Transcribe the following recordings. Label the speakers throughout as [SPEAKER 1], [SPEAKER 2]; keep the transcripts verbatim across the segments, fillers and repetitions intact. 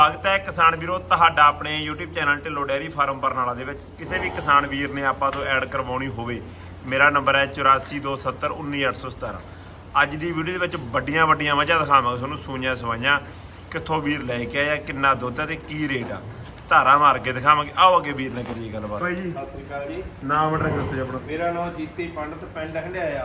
[SPEAKER 1] ਸਵਾਗਤ ਹੈ ਕਿਸਾਨ ਵੀਰੋ ਤੁਹਾਡਾ ਆਪਣੇ YouTube channel Dhillon dairy farm Barnala ਦੇ ਵਿੱਚ। ਕਿਸੇ ਵੀ ਕਿਸਾਨ ਵੀਰ ਨੇ ਆਪਾਂ ਤੋਂ ਐਡ ਕਰਵਾਉਣੀ ਹੋਵੇ, ਮੇਰਾ ਨੰਬਰ ਹੈ ਚੁਰਾਸੀ ਦੋ ਸੱਤਰ ਉੱਨੀ ਅੱਠ ਸੌ ਸਤਾਰਾਂ। ਅੱਜ ਦੀ ਵੀਡੀਓ ਦੇ ਵਿੱਚ ਵੱਡੀਆਂ ਵੱਡੀਆਂ ਮੱਝਾਂ ਦਿਖਾਵਾਂਗੇ ਤੁਹਾਨੂੰ, ਸੂਈਆਂ ਸਵਾਈਆਂ ਕਿੱਥੋਂ ਵੀਰ ਲੈ ਕੇ ਆਇਆ, ਕਿੰਨਾ ਦੁੱਧ ਹੈ ਤੇ ਕੀ ਰੇਟ ਆ, ਧਾਰਾ ਮਾਰ ਕੇ ਦਿਖਾਵਾਂਗੇ। ਆਓ ਅੱਗੇ ਵੀਰ ਨਾਲ ਕਰੀਏ ਗੱਲਬਾਤ।
[SPEAKER 2] ਬਾਈ ਜੀ
[SPEAKER 3] ਸਤਿ ਸ੍ਰੀ ਅਕਾਲ ਜੀ।
[SPEAKER 2] ਨਾਮ ਐਡਰੈਸ ਦੱਸੋ ਜੀ ਆਪਣਾ।
[SPEAKER 3] ਮੇਰਾ ਨਾਮ ਜੀਤੀ ਪੰਡਤ, ਪਿੰਡ ਹੰਡਿਆਇਆ,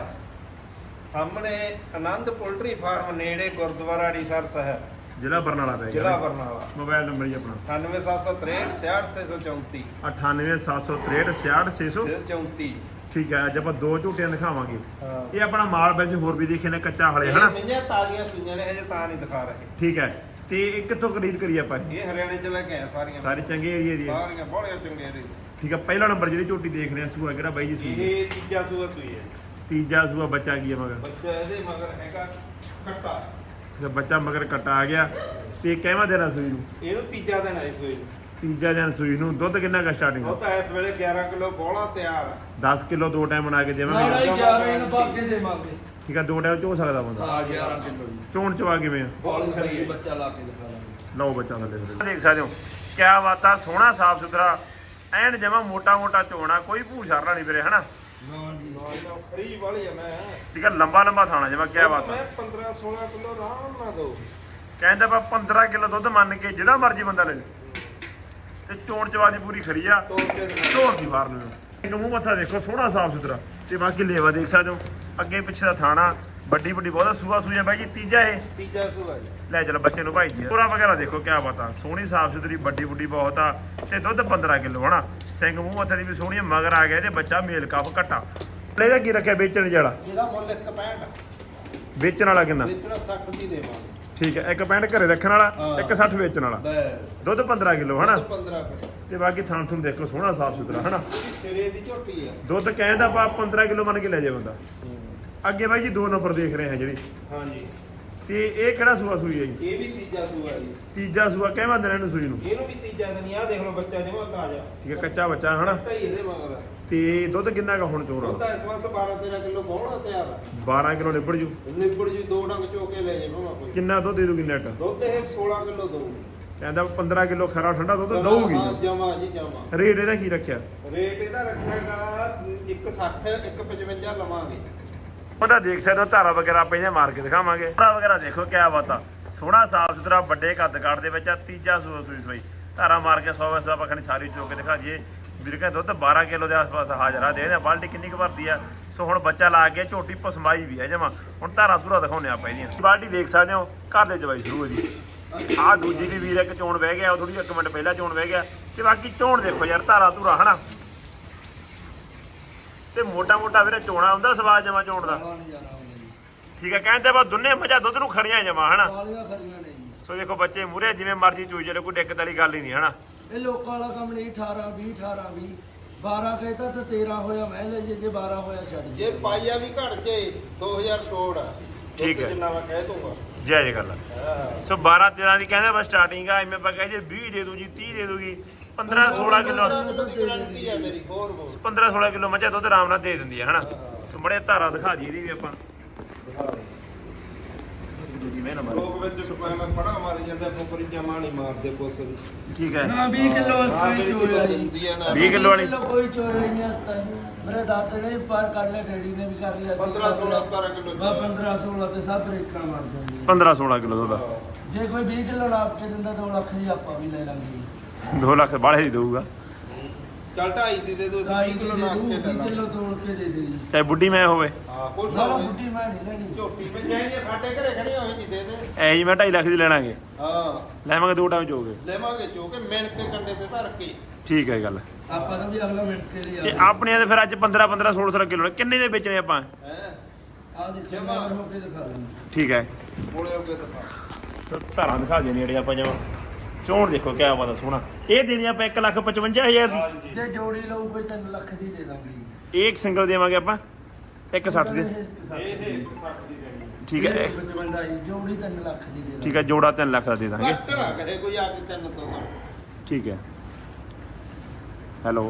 [SPEAKER 3] ਸਾਹਮਣੇ ਆਨੰਦ ਪੋਲਟਰੀ ਫਾਰਮ ਨੇੜੇ ਗੁਰਦੁਆਰਾ ਅੜੀਸਰ ਸਾਹਿਬ,
[SPEAKER 2] ਜ਼ਿਲ੍ਹਾ ਬਰਨਾਲਾ ਪੈ ਗਿਆ।
[SPEAKER 3] ਜ਼ਿਲ੍ਹਾ ਬਰਨਾਲਾ।
[SPEAKER 2] ਮੋਬਾਈਲ ਨੰਬਰ ਜੀ ਆਪਣਾ
[SPEAKER 3] ਅਠਾਨਵੇਂ ਸੱਤ ਸੌ ਤਰੇਹਠ ਛਿਆਹਠ ਛੇ ਸੌ ਚੌਂਤੀ
[SPEAKER 2] ਅਠਾਨਵੇਂ ਸੱਤ ਸੌ ਤਰੇਹਠ ਛਿਆਹਠ ਛੇ ਸੌ
[SPEAKER 3] ਚੌਂਤੀ।
[SPEAKER 2] ਠੀਕ ਹੈ। ਅੱਜ ਆਪਾਂ ਦੋ ਝੂਟੀਆਂ ਦਿਖਾਵਾਂਗੇ।
[SPEAKER 3] ਹਾਂ।
[SPEAKER 2] ਇਹ ਆਪਣਾ ਮਾਲ ਵੈਸੇ ਹੋਰ ਵੀ ਦੇਖੇ ਨੇ, ਕੱਚਾ ਹਲੇ ਹਨਾ।
[SPEAKER 3] ਮਈਆਂ ਤਾਜ਼ੀਆਂ ਸੂਈਆਂ ਨੇ, ਹਜੇ ਤਾਂ ਨਹੀਂ ਦਿਖਾ ਰਹੇ।
[SPEAKER 2] ਠੀਕ ਹੈ। ਤੇ ਇਹ ਕਿੱਥੋਂ ਖਰੀਦ ਕਰੀ ਆਪਾਂ?
[SPEAKER 3] ਇਹ ਹਰਿਆਣੇ ਚ ਲੈ ਕੇ ਆਏ ਸਾਰੀਆਂ,
[SPEAKER 2] ਸਾਰੇ ਚੰਗੇ ਏਰੀਆ ਦੀ ਹੈ।
[SPEAKER 3] ਸਾਰੀਆਂ ਬੜੀਆਂ ਚੰਗੇ ਨੇ।
[SPEAKER 2] ਠੀਕ ਹੈ। ਪਹਿਲਾ ਨੰਬਰ ਜਿਹੜੀ ਝੂਟੀ ਦੇਖ ਰਹੇ ਆ, ਸੂਆ ਕਿਹੜਾ ਬਾਈ ਜੀ? ਸੂਆ
[SPEAKER 3] ਇਹ ਤੀਜਾ ਸੂਆ ਸੂਈ ਹੈ।
[SPEAKER 2] ਤੀਜਾ ਸੂਆ। ਬੱਚਾ ਕੀ ਹੈ ਮਗਰ?
[SPEAKER 3] ਬੱਚਾ ਇਹਦੇ ਮਗਰ ਹੈਗਾ ਕੱਟਾ।
[SPEAKER 2] ਤੇ ਬੱਚਾ ਮਗਰ ਕੱਟਾ ਆ ਗਿਆ। ਤੇ ਕਿਵੇਂ ਦੇਣਾ ਸੂਈ ਨੂੰ?
[SPEAKER 3] ਇਹਨੂੰ ਤੀਜਾ ਦਿਨ ਆਈ ਸੂਈ ਨੂੰ।
[SPEAKER 2] ਤੀਜਾ ਦਿਨ ਸੂਈ ਨੂੰ। ਦੁੱਧ ਕਿੰਨਾ ਕਾ ਸਟਾਰਟਿੰਗ?
[SPEAKER 3] ਉਹ ਤਾਂ ਇਸ ਵੇਲੇ ਗਿਆਰਾਂ ਕਿਲੋ ਬੋਲਾ ਤਿਆਰ ਹੈ।
[SPEAKER 2] ਦਸ ਕਿਲੋ ਦੋ ਟਾਈਮ ਬਣਾ ਕੇ ਦੇਵਾਂਗੇ।
[SPEAKER 3] ਨਾਲੇ
[SPEAKER 4] ਗਿਆਰਾਂ ਇਹਨੂੰ ਪਾ ਕੇ ਦੇਵਾਂਗੇ।
[SPEAKER 2] ਠੀਕ ਹੈ। ਦੋ ਟਾਈਮ ਚੋ ਸਕਦਾ ਬੰਦਾ।
[SPEAKER 4] ਹਾਂ ਗਿਆਰਾਂ ਕਿਲੋ ਜੀ।
[SPEAKER 2] ਚੋਣ ਚਵਾ ਕਿਵੇਂ ਆ?
[SPEAKER 3] ਬਹੁਤ ਖਰੀ ਹੈ।
[SPEAKER 4] ਬੱਚਾ ਲਾ ਕੇ ਦਿਖਾ ਦਾਂਗੇ।
[SPEAKER 2] ਲਓ ਬੱਚਾ ਥੱਲੇ ਦੇਖ ਸਕਦੇ ਹੋ ਕਿਆ ਬਾਤ ਆ। ਸੋਹਣਾ ਸਾਫ ਸੁਥਰਾ ਐਨ ਜਮਾ ਮੋਟਾ ਮੋਟਾ ਚੋਣਾ, ਕੋਈ ਭੂਰ ਛਰਨਾ ਨਹੀਂ ਵੀਰੇ ਹਨਾ।
[SPEAKER 4] ਹਾਂ ਜੀ।
[SPEAKER 3] ਖਰੀ ਵਾਲੀ ਹੈ। ਮੈਂ
[SPEAKER 2] ਠੀਕ ਹੈ। ਲੰਬਾ ਲੰਬਾ ਥਾਣਾ ਜਮਾ। ਕਿਆ ਬਾਤ ਆ।
[SPEAKER 3] ਮੈਂ ਪੰਦਰਾਂ ਸੋਲਾਂ ਕਿਲੋ ਆਰਾਮ ਨਾਲ ਦੋ।
[SPEAKER 2] ਕਹਿੰਦਾ ਆਪਾਂ ਪੰਦਰਾਂ ਕਿਲੋ ਦੁੱਧ ਮੰਨ ਕੇ ਜਿਹੜਾ ਮਰਜੀ ਬੰਦਾ ਲੈ ਲੇ। ਤੇ ਚੋਣ ਚਵਾ ਦੀ ਪੂਰੀ ਖਰੀ ਆ।
[SPEAKER 3] ਤੋੜ ਕੇ ਦਿਖਾ।
[SPEAKER 2] ਢੋਰ ਦੀ ਬਾਹਰ ਨੂੰ ਇਹਨੂੰ ਮੂੰਹ ਮੱਥਾ ਦੇਖੋ, ਸੋਹਣਾ ਸਾਫ ਸੁਥਰਾ। ਤੇ ਬਾਕੀ ਲੇਵਾ ਦੇਖ ਸਕਦੇ ਹੋ, ਅੱਗੇ ਪਿੱਛੇ ਦਾ ਥਾਣਾ ਵੱਡੀ ਵੱਡੀ ਬਹੁਤ ਸੂਆ ਸੂਆ ਬਾਈ ਜੀ। ਤੀਜਾ ਇਹ
[SPEAKER 3] ਤੀਜਾ ਸੂਆ ਜੀ।
[SPEAKER 2] ਲੈ ਚਲੋ ਬੱਚੇ ਨੂੰ ਭਾਈ ਜੀ। ਪੂਰਾ ਵਗੈਰਾ ਦੇਖੋ ਕਿਆ ਬਾਤ ਆ। ਸੋਹਣੀ ਸਾਫ ਸੁਥਰੀ ਵੱਡੀ ਵੱਡੀ ਬਹੁਤ ਆ। ਤੇ ਦੁੱਧ ਪੰਦਰਾਂ ਕਿਲੋ ਹਨਾ। ਸਿੰਘ ਮੂੰਹ ਮੱਥੇ ਦੀ ਵੀ ਸੋਹਣੀ, ਮਗਰ ਆ ਗਿਆ ਤੇ ਬੱਚਾ ਮੇਲ ਕੱਪ ਘਟਾ। ਇਹਦਾ ਕੀ ਰੱਖਿਆ ਵੇਚਣ ਵਾਲਾ?
[SPEAKER 3] ਇਹਦਾ ਮੁੱਲ ਇੱਕ ਪੈਂਹਠ।
[SPEAKER 2] ਵੇਚਣ ਵਾਲਾ ਕਿੰਨਾ?
[SPEAKER 3] ਵੇਚਣਾ ਸੱਠ ਦੀ ਦੇਵਾਂਗੇ।
[SPEAKER 2] ਠੀਕ ਹੈ। ਇੱਕ ਪੈਂਟ ਘਰੇ ਰੱਖਣ ਵਾਲਾ, ਇੱਕ ਸੱਠ ਵੇਚਣ ਵਾਲਾ।
[SPEAKER 3] ਬਸ
[SPEAKER 2] ਦੁੱਧ ਪੰਦਰਾਂ ਕਿਲੋ ਹਨਾ।
[SPEAKER 3] ਪੰਦਰਾਂ ਕਿਲੋ।
[SPEAKER 2] ਤੇ ਬਾਕੀ ਥਾਂ ਤੁਹਾਨੂੰ ਦੇਖੋ ਸੋਹਣਾ ਸਾਫ ਸੁਥਰਾ ਹਨਾ।
[SPEAKER 3] ਸਿਰੇ ਦੀ ਝੋਟੀ ਆ।
[SPEAKER 2] ਦੁੱਧ ਕਹਿੰਦਾ ਆਪਾਂ ਪੰਦਰਾਂ ਕਿਲੋ ਮੰਨ ਕੇ ਲੈ ਜਾਏ ਬੰਦਾ। ਅੱਗੇ ਬਾਈ ਜੀ ਦੋ ਨੰਬਰ ਦੇਖ ਰਹੇ ਹਾਂ ਜਿਹੜੀ,
[SPEAKER 3] ਹਾਂਜੀ।
[SPEAKER 2] ਤੇ ਇਹ ਕਿਹੜਾ ਸੂਆ ਸੂਈ ਹੈ ਜੀ?
[SPEAKER 3] ਇਹ ਵੀ ਤੀਜਾ ਸੂਆ ਜੀ।
[SPEAKER 2] ਤੀਜਾ ਸੂਆ ਕਿਵੇਂ ਦਿਨ ਇਹਨੂੰ ਸੂਈ ਨੂੰ?
[SPEAKER 3] ਇਹਨੂੰ ਵੀ ਤੀਜਾ ਦਿਨ ਆ। ਦੇਖ ਲਓ ਬੱਚਾ ਜਮਾ ਤਾਜ਼ਾ।
[SPEAKER 2] ਠੀਕ ਹੈ। ਕੱਚਾ ਬੱਚਾ ਹਨਾ।
[SPEAKER 3] ਢਾਈ ਇਹਦੇ ਮਗਰ।
[SPEAKER 2] ਤੇ ਦੁੱਧ ਕਿੰਨਾ ਕਾ ਹੁਣ ਚੋੜਾ?
[SPEAKER 3] ਉਹ ਤਾਂ ਇਸ ਵਕਤ ਬਾਰਾਂ ਤੇਰਾਂ ਕਿਲੋ ਬੋਲਾ ਤਿਆਰ ਆ।
[SPEAKER 2] ਬਾਰਾਂ ਕਿਲੋ ਨਿਬੜ ਜੂ।
[SPEAKER 3] ਨਿਬੜ ਜੀ ਦੋ ਡੰਗ ਚੋ ਕੇ ਲੈ ਜਾਵਾਂ ਕੋਈ।
[SPEAKER 2] ਕਿੰਨਾ ਦੁੱਧ ਦੇ ਦੂਗੀ ਨੈਟ?
[SPEAKER 3] ਦੁੱਧ ਇਹ ਸੋਲਾਂ ਕਿਲੋ ਦਊ।
[SPEAKER 2] ਕਹਿੰਦਾ ਪੰਦਰਾਂ ਕਿਲੋ ਖਰਾ ਠੰਡਾ ਦੁੱਧ
[SPEAKER 3] ਹਾਂ
[SPEAKER 2] ਦਊਗੀ।
[SPEAKER 3] ਜਮਾ ਜੀ ਜਮਾ।
[SPEAKER 2] ਰੇਟ ਇਹਦਾ ਕੀ ਰੱਖਿਆ?
[SPEAKER 3] ਰੇਟ ਇਹਦਾ ਰੱਖਿਆਗਾ ਇੱਕ ਸੱਠ ਇੱਕ ਪਚਵੰਜਾ ਲਵਾਂਗੇ।
[SPEAKER 2] ਉਹਦਾ ਦੇਖ ਸਕਦੇ ਹੋ ਧਾਰਾ ਵਗੈਰਾ ਆਪਾਂ ਇਹਨੇ ਮਾਰ ਕੇ ਦਿਖਾਵਾਂਗੇ। ਧਾਰਾ ਵਗੈਰਾ ਦੇਖੋ ਕਿਆ ਬਾਤ ਆ। ਸੋਹਣਾ ਸਾਫ ਸੁਥਰਾ ਵੱਡੇ ਕੱਦ ਕਾਠ ਦੇ ਵਿੱਚ ਆ। ਤੀਜਾ ਸੂਆ ਸੂਈ ਸੂਈ ਧਾਰਾ ਮਾਰ ਕੇ ਸੌ ਵੈਸੇ ਆਪਾਂ ਖਣੀ ਸਾਰੀ ਚੋ ਕੇ ਦਿਖਾ ਦਈਏ। ਵੀਰ ਕਹਿੰਦਾ ਦੁੱਧ ਬਾਰਾਂ ਕਿਲੋ ਦੇ ਆਸ-ਪਾਸ ਹਾਜ਼ਰ ਆ। ਦੇ ਬਾਲਟੀ ਕਿੰਨੀ ਕੁ ਭਰਦੀ ਆ। ਸੋ ਹੁਣ ਬੱਚਾ ਲਾ ਕੇ ਝੋਟੀ ਪਸਮਾਈ ਵੀ ਹੈ ਜਮਾ। ਹੁਣ ਧਾਰਾ ਧੂਰਾ ਦਿਖਾਉਂਦੇ ਆਪਾਂ ਇਹਦੀਆਂ। ਬਾਲਟੀ ਦੇਖ ਸਕਦੇ ਹੋ ਘਰ ਦੇ ਜਵਾਈ ਸ਼ੁਰੂ ਹੈ ਜੀ। ਆਹ ਦੂਜੀ ਵੀ ਵੀਰ ਇੱਕ ਚੋਣ ਬਹਿ ਗਿਆ, ਉਹ ਥੋੜੀ ਇੱਕ ਮਿੰਟ ਪਹਿਲਾਂ ਚੋਣ ਬਹਿ ਗਿਆ। ਤੇ ਬਾਕੀ ਚੋਣ ਦੇਖੋ ਯਾਰ ਧਾਰਾ ਧੂਰਾ ਹਨਾ। ਤੇ ਮੋਟਾ ਮੋਟਾ ਵੀਰੇ ਚੋਣਾ ਹੁੰਦਾ ਸਵਾਦ ਜਮਾ ਚੋਣ ਦਾ। ਠੀਕ ਹੈ। ਕਹਿੰਦੇ ਬਾ ਦੋਨੇ ਮੱਝਾਂ ਦੁੱਧ ਨੂੰ ਖਰੀਆਂ ਜਮਾ ਹਨਾ।
[SPEAKER 4] ਵਾਲੀਆਂ ਖਰੀਆਂ ਨੇ ਜੀ।
[SPEAKER 2] ਸੋ ਦੇਖੋ ਬੱਚੇ ਮੂਰੇ ਜਿਵੇਂ ਮਰਜ਼ੀ ਚੂਈ ਚਲੇ, ਕੋਈ ਦਿੱਕਤ ਵਾਲੀ ਗੱਲ ਹੀ ਨਹੀਂ ਹਨਾ।
[SPEAKER 4] ਇਹ ਲੋਕਾਂ ਵਾਲਾ ਕੰਮ ਨਹੀਂ। ਅਠਾਰਾਂ ਵੀਹ ਅਠਾਰਾਂ ਵੀਹ ਬਾਰਾਂ ਕਹਿੰਦਾ ਤਾਂ ਤੇਰਾਂ ਹੋਇਆ ਮੈਂ ਲੈ ਜੇ, ਜੇ ਬਾਰਾਂ ਹੋਇਆ ਛੱਡ
[SPEAKER 3] ਜੇ ਪਾਈਆ ਵੀ ਘਟ ਜੇ ਦੋ ਹਜ਼ਾਰ ਛੋੜ ਆ।
[SPEAKER 2] ਠੀਕ ਹੈ।
[SPEAKER 3] ਜਿੰਨਾ ਮੈਂ ਕਹਿ ਦੂੰਗਾ।
[SPEAKER 2] ਜੈ ਜੈ ਗੱਲ ਆ।
[SPEAKER 3] ਹਾਂ।
[SPEAKER 2] ਸੋ ਬਾਰਾਂ ਤੇਰਾਂ ਦੀ ਕਹਿੰਦੇ ਬਸ ਸਟਾਰਟਿੰਗ ਆ। ਐਵੇਂ ਆਪਾਂ ਕਹਿੰਦੇ ਵੀਹ ਦੇ ਦੂ ਜੀ, ਤੀਹ ਦੇ ਦੂਗੀ। ਪੰਦਰਾਂ ਸੋਲਾਂ ਕਿਲੋ
[SPEAKER 3] ਗਾਰੰਟੀ ਆ ਮੇਰੀ। ਹੋਰ ਹੋਰ
[SPEAKER 2] ਪੰਦਰਾਂ ਸੋਲਾਂ ਕਿਲੋ ਮੱਝਾਂ ਦੁੱਧ ਆਰਾਮ ਨਾਲ ਦੇ ਦਿੰਦੀ ਆ ਹਨਾ। ਸੋ ਬੜੇ ਧਾਰਾ ਦਿਖਾ ਜੀ ਇਹਦੀ ਵੀ ਆਪਾਂ।
[SPEAKER 3] ਲੋਕ ਵਿੱਚ ਮੈਂ ਪੜਾ ਮਾਰੀ ਜਾਂਦੇ ਨੌਕਰੀ ਜਮਾ ਨਹੀਂ ਮਾਰਦੇ ਕੁਛ ਵੀ।
[SPEAKER 2] ਠੀਕ ਹੈ।
[SPEAKER 4] ਨਾ ਵੀਹ ਕਿਲੋ
[SPEAKER 3] ਆਹ
[SPEAKER 4] ਅਸਤਾਈ
[SPEAKER 3] ਜਿਹੜੀ
[SPEAKER 4] ਚੋਇਆ ਜੀ।
[SPEAKER 3] ਦਿੰਦੀ ਆ ਨਾ
[SPEAKER 2] ਵੀਹ ਕਿਲੋ ਵਾਲੀ
[SPEAKER 4] ਕੋਈ ਚੋਇਆ ਨਹੀਂ ਅਸਤਾਈ। ਮੇਰੇ ਦਾਤੇ ਨੇ ਪਾਰ ਕਰ ਲਿਆ, ਡੈਡੀ ਨੇ ਵੀ ਕਰ ਲਿਆ।
[SPEAKER 3] ਪੰਦਰਾਂ ਸੋਲਾਂ ਸਤਾਰਾਂ ਕਿਲੋ
[SPEAKER 4] ਬਾ ਪੰਦਰਾਂ ਸੋਲਾਂ ਤੇ ਸਭ ਰੇਕਾਂ ਮਾਰ ਜਾਂਦੀ
[SPEAKER 2] ਪੰਦਰਾਂ ਸੋਲਾਂ ਕਿਲੋ ਦੁੱਧ।
[SPEAKER 4] ਜੇ ਕੋਈ ਵੀਹ ਕਿਲੋ ਨਾਪ ਕੇ ਦਿੰਦਾ ਦੋ ਲੱਖ ਦੀ ਆਪਾਂ ਵੀ ਲੈ ਲਾਂਗੇ।
[SPEAKER 2] ਦੋ ਲੱਖ ਬਾਲੇ ਹੀ ਦਊਗਾ।
[SPEAKER 3] ਚੱਲ ਢਾਈ ਦੀ ਦੇ ਦੋ
[SPEAKER 4] ਢਾਈ
[SPEAKER 3] ਵੀਹ
[SPEAKER 4] ਦੀ
[SPEAKER 3] ਕਿਲੋ
[SPEAKER 4] ਦੇ
[SPEAKER 3] ਨਾਪ
[SPEAKER 4] ਦੂ,
[SPEAKER 3] ਕੇ ਲੈ
[SPEAKER 4] ਵੀਹ
[SPEAKER 3] ਲਾ।
[SPEAKER 4] ਕਿਲੋ ਤੋੜ ਕੇ ਦੇ ਦੇ ਜੀ।
[SPEAKER 2] ਚਾਹੇ ਬੁੱਢੀ ਮੈਂ ਹੋਵੇ।
[SPEAKER 3] ਹਾਂ ਕੁਛ
[SPEAKER 4] ਨਾ
[SPEAKER 3] ਹੋਵੇ।
[SPEAKER 4] ਬੁੱਢੀ ਮੈਂ ਨਹੀਂ ਲੈਣੀ।
[SPEAKER 3] ਝੋਟੀ ਵਿੱਚ ਜਾਈਏ ਸਾਡੇ ਘਰੇ ਖੜੀ ਹੋਵੇ ਜੀ ਦੇ ਦੇ।
[SPEAKER 2] ਐ ਜੀ ਮੈਂ ਢਾਈ ਲੱਖ ਦੀ ਲੈਣਾਗੇ।
[SPEAKER 3] ਹਾਂ
[SPEAKER 2] ਲੈਵਾਂਗੇ ਦੋ ਟਾਈਮ ਚੋਗੇ।
[SPEAKER 3] ਲੈਵਾਂਗੇ ਚੋ ਕੇ ਮਿਣ ਕੇ ਕੰਡੇ ਤੇ ਧਰ ਕੇ।
[SPEAKER 2] ਠੀਕ ਹੈ ਗੱਲ।
[SPEAKER 4] ਆਪਾਂ ਤਾਂ ਵੀ ਅਗਲਾ ਮਿੰਟ ਕੇ ਲਈ
[SPEAKER 2] ਤੇ ਆਪਣੇ ਤੇ ਫਿਰ ਅੱਜ ਪੰਦਰਾਂ ਪੰਦਰਾਂ ਸੋਲਾਂ ਸੋਲਾਂ ਕਿਲੋ ਕਿੰਨੇ ਦੇ ਵੇਚਣੇ ਆਪਾਂ?
[SPEAKER 3] ਹੈ
[SPEAKER 4] ਆ ਦੇਖੋ ਜਮਾ ਹੋ ਕੇ ਦਿਖਾ ਦਿੰਦਾ।
[SPEAKER 2] ਠੀਕ ਹੈ।
[SPEAKER 3] ਬੋਲੇ ਹੋ ਕੇ ਦਿਖਾ।
[SPEAKER 2] ਸੋ ਧਾਰਾਂ ਦਿਖਾ ਦੇ ਨੇੜੇ ਆਪਾਂ ਜਮਾ। ਚੋਣ ਦੇਖੋ ਕਿਆ ਬਾਤ ਆ ਸੋਹਣਾ। ਇਹ ਦੇਣੀ ਆਪਾਂ ਇੱਕ ਲੱਖ ਪਚਵੰਜਾ ਹਜ਼ਾਰ ਦੀ।
[SPEAKER 4] ਜੇ ਜੋੜੀ ਲਊ ਕੋਈ ਤਿੰਨ ਲੱਖ ਦੀ ਦੇ ਦਾਂਗੇ ਜੀ।
[SPEAKER 2] ਇਹ ਇੱਕ ਸਿੰਗਲ ਦੇਵਾਂਗੇ ਆਪਾਂ ਇੱਕ ਸੱਠ ਦੇ।
[SPEAKER 3] ਇਹ ਇਹ ਸੱਠ ਦੀ ਦੇਣੀ।
[SPEAKER 2] ਠੀਕ ਹੈ। ਇਹ-
[SPEAKER 4] ਪਚਵੰਜਾ ਜੀ ਜੋੜੀ ਤਿੰਨ ਲੱਖ ਦੀ ਦੇ ਦਾਂਗੇ।
[SPEAKER 2] ਠੀਕ ਹੈ। ਜੋੜਾ ਤਿੰਨ ਲੱਖ ਦਾ ਦੇ ਦਾਂਗੇ।
[SPEAKER 3] ਘੱਟ ਨਾ ਕਰੇ ਕੋਈ ਆ ਕੇ ਤਿੰਨ ਤੋਂ ਘੱਟ।
[SPEAKER 2] ਠੀਕ ਹੈ। ਹੈਲੋ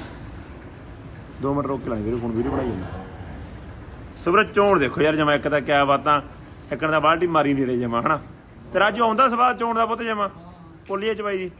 [SPEAKER 2] ਦੋ ਮਿੰਟ ਰੋਕ ਕੇ ਲਾਂਗੇ ਵੀਰੇ, ਫੋਨ ਵੀਡੀਓ ਬਣਾਈ ਜਾਂਦਾ। ਸੁਬਰ ਚੋਣ ਦੇਖੋ ਯਾਰ ਜਮਾ। ਇੱਕ ਤਾਂ ਕਿਆ ਬਾਤਾਂ। ਇੱਕਣ ਦਾ ਬਾਲਟੀ ਮਾਰੀ ਨੇੜੇ ਜਮਾ ਹਨਾ। ਤੇ ਰਾਜੂ ਆਉਂਦਾ ਸਵਾਦ ਚੋਣ ਦਾ ਪੁੱਤ ਜਮਾ।
[SPEAKER 1] ਪੋਲੀਏ ਚਵਾਈ ਦੀ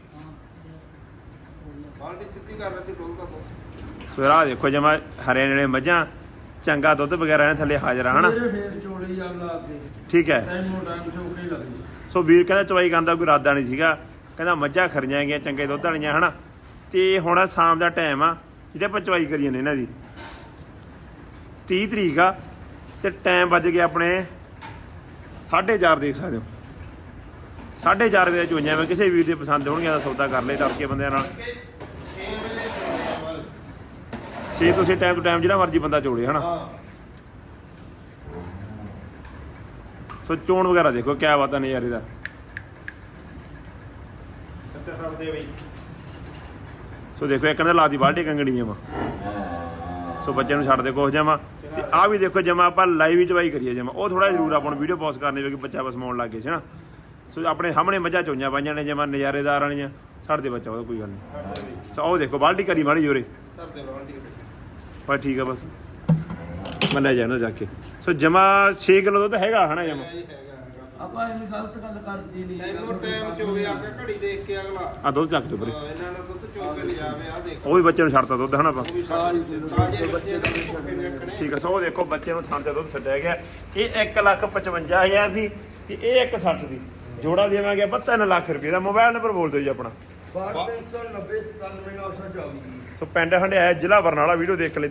[SPEAKER 3] ਬਾਲਟੀ ਸਿੱਧੀ ਕਰ ਰੱਖੀ ਡੋਲਦਾ ਤੋਂ
[SPEAKER 1] ਸੋ ਆਹ ਦੇਖੋ ਜਮਾ ਹਰੇ ਨੇੜੇ ਮੱਝਾਂ ਚੰਗਾ ਦੁੱਧ ਵਗੈਰਾ ਨੇ ਥੱਲੇ ਹਾਜ਼ਰ ਆ ਹਨਾ
[SPEAKER 4] ਮੇਰੇ ਫੇਰ ਚੋਲੀ ਆ ਲਾ ਕੇ
[SPEAKER 1] ਠੀਕ ਹੈ
[SPEAKER 4] ਟਾਈਮ ਟਾਈਮ ਚੌਕੇ ਲੱਗਦੀ
[SPEAKER 1] ਸੋ ਵੀਰ ਕਹਿੰਦਾ ਚਵਾਈ ਕਰਨ ਦਾ ਕੋਈ ਇਰਾਦਾ ਨਹੀਂ ਸੀਗਾ ਕਹਿੰਦਾ ਮੱਝਾਂ ਖਰੀਆਂ ਹੈਗੀਆਂ ਚੰਗੇ ਦੁੱਧ ਵਾਲੀਆਂ ਹਨਾ ਤੇ ਹੁਣ ਸ਼ਾਮ ਦਾ ਟਾਈਮ ਆ ਜਿਹਦੇ ਆਪਾਂ ਚਵਾਈ ਕਰੀ ਜਾਂਦੇ ਇਹਨਾਂ ਦੀ ਤੀਹ ਤਰੀਕ ਆ ਤੇ ਟਾਈਮ ਵੱਜ ਗਿਆ ਆਪਣੇ ਸਾਢੇ ਚਾਰ ਦੇਖ ਸਕਦੇ ਹੋ ਸਾਢੇ ਚਾਰ ਵਜੇ ਚੋਈਆਂ ਮੈਂ ਕਿਸੇ ਵੀਰ ਦੇ ਪਸੰਦ ਹੋਣਗੀਆਂ ਦਾ ਸੌਦਾ ਕਰ ਲੈ ਤੜਕੇ ਬੰਦਿਆਂ ਨਾਲ
[SPEAKER 3] ਛੇ ਵੇਲੇ ਚੋਣੇ ਬਸ
[SPEAKER 1] ਛੇ ਤੁਸੀਂ ਟਾਈਮ ਟੂ ਟਾਈਮ ਜਿਹੜਾ ਮਰਜ਼ੀ ਬੰਦਾ ਚੋੜੇ ਹਨਾ
[SPEAKER 3] ਹਾਂ
[SPEAKER 1] ਸੋ ਚੋਣ ਵਗੈਰਾ ਦੇਖੋ ਕਿਆ ਬਾਤ ਆ ਨਜ਼ਾਰੇ ਦਾ
[SPEAKER 3] ਕਿੱਥੇ ਫੜਦੇ ਬਈ
[SPEAKER 1] ਸੋ ਦੇਖੋ ਇੱਕ ਨੇ ਲਾਦੀ ਬਾਲਟੀ ਕੰਗਣੀ ਜਮਾ ਸੋ ਬੱਚੇ ਨੂੰ ਛੱਡ ਦੇ ਕੋਸ ਜਮਾ ਤੇ ਆ ਵੀ ਦੇਖੋ ਜਮਾ ਆਪਾਂ ਲਾਈਵ ਹੀ ਚਵਾਈ ਕਰੀਏ ਜਮਾ ਉਹ ਥੋੜਾ ਜ਼ਰੂਰ ਆਪਾਂ ਨੂੰ ਵੀਡੀਓ ਪੋਸਟ ਕਰਨੀ ਕਿਉਂਕਿ ਬੱਚਾ ਬਸ ਸਮਾਉਣ ਲੱਗ ਗਏ ਸੀ ਨਾ ਸੋ ਆਪਣੇ ਸਾਹਮਣੇ ਮੱਝਾਂ ਚੋਈਆਂ ਪਾਈਆਂ ਨੇ ਜਮਾ ਨਜ਼ਾਰੇਦਾਰ ਵਾਲੀਆਂ ਛੱਡ ਦੇ ਬੱਚਾ ਉਹਦਾ ਕੋਈ ਗੱਲ ਨਹੀਂ ਸੋ ਉਹ ਦੇਖੋ ਬਾਲਟੀ ਕਰੀ ਮਾੜੀ ਜੋਰੇ
[SPEAKER 3] ਧਰਦੇ ਬਾਲਟੀ
[SPEAKER 1] ਪਰ ਠੀਕ ਆ ਬਸ ਮੈਂ ਲੈ ਜਾਣਾ ਜਾ ਕੇ ਸੋ ਜਮਾ ਛੇ ਕਿਲੋ ਦੁੱਧ ਹੈਗਾ ਹਨਾ ਜਮਾ
[SPEAKER 3] ਹੈਗਾ ਹੈਗਾ
[SPEAKER 4] ਆਪਾਂ ਐਵੇਂ ਗਲਤ ਗੱਲ ਕਰਦੀ ਨਹੀਂ
[SPEAKER 3] ਟਾਈਮ ਟਾਈਮ ਚੋਵੇ ਆ ਕੇ ਘੜੀ ਦੇਖ ਕੇ ਅਗਲਾ
[SPEAKER 1] ਆ ਦੁੱਧ ਚੱਕ ਦਿਓ ਪਰੇ
[SPEAKER 3] ਹਾਂ, ਇਹਨਾਂ ਨੂੰ ਦੁੱਧ ਚੋ ਕੇ ਲਿਜਾਵੇ ਆ ਦੇਖੋ
[SPEAKER 1] ਉਹ ਵੀ ਬੱਚੇ ਨੂੰ ਛੱਡਤਾ ਦੁੱਧ ਹਨਾ ਆਪਾਂ
[SPEAKER 3] ਉਹ ਵੀ ਸਾਰੀ ਤਾਜ਼ੇ ਬੱਚੇ ਦਾ ਭੁੱਖੇ ਨੇ ਰੱਖਣੇ
[SPEAKER 1] ਠੀਕ ਆ ਸੋ ਉਹ ਦੇਖੋ ਬੱਚੇ ਨੂੰ ਥਾਂ ਤੇ ਦੁੱਧ ਛੱਡਿਆ ਗਿਆ ਇਹ ਇੱਕ ਲੱਖ ਪਚਵੰਜਾ ਹਜ਼ਾਰ ਦੀ ਤੇ ਇਹ ਇੱਕ ਸੱਠ ਦੀ ਜੋੜਾ ਦੇਵਾਂਗੇ ਆਪਾਂ ਤਿੰਨ ਲੱਖ ਰੁਪਏ ਦਾ ਮੋਬਾਈਲ ਨੰਬਰ ਬੋਲ ਦਿਓ ਜੀ ਆਪਣਾ
[SPEAKER 4] ਬਾਰਾਂ ਤਿੰਨ ਸੌ ਨੱਬੇ ਸਤਾਨਵੇਂ ਨੌ ਸੌ ਚੌਵੀ
[SPEAKER 1] ਸੋ ਪਿੰਡ ਹੰਡਿਆਇਆ ਜ਼ਿਲ੍ਹਾ ਬਰਨਾਲਾ ਵੀਡੀਓ ਦੇਖ ਲੈ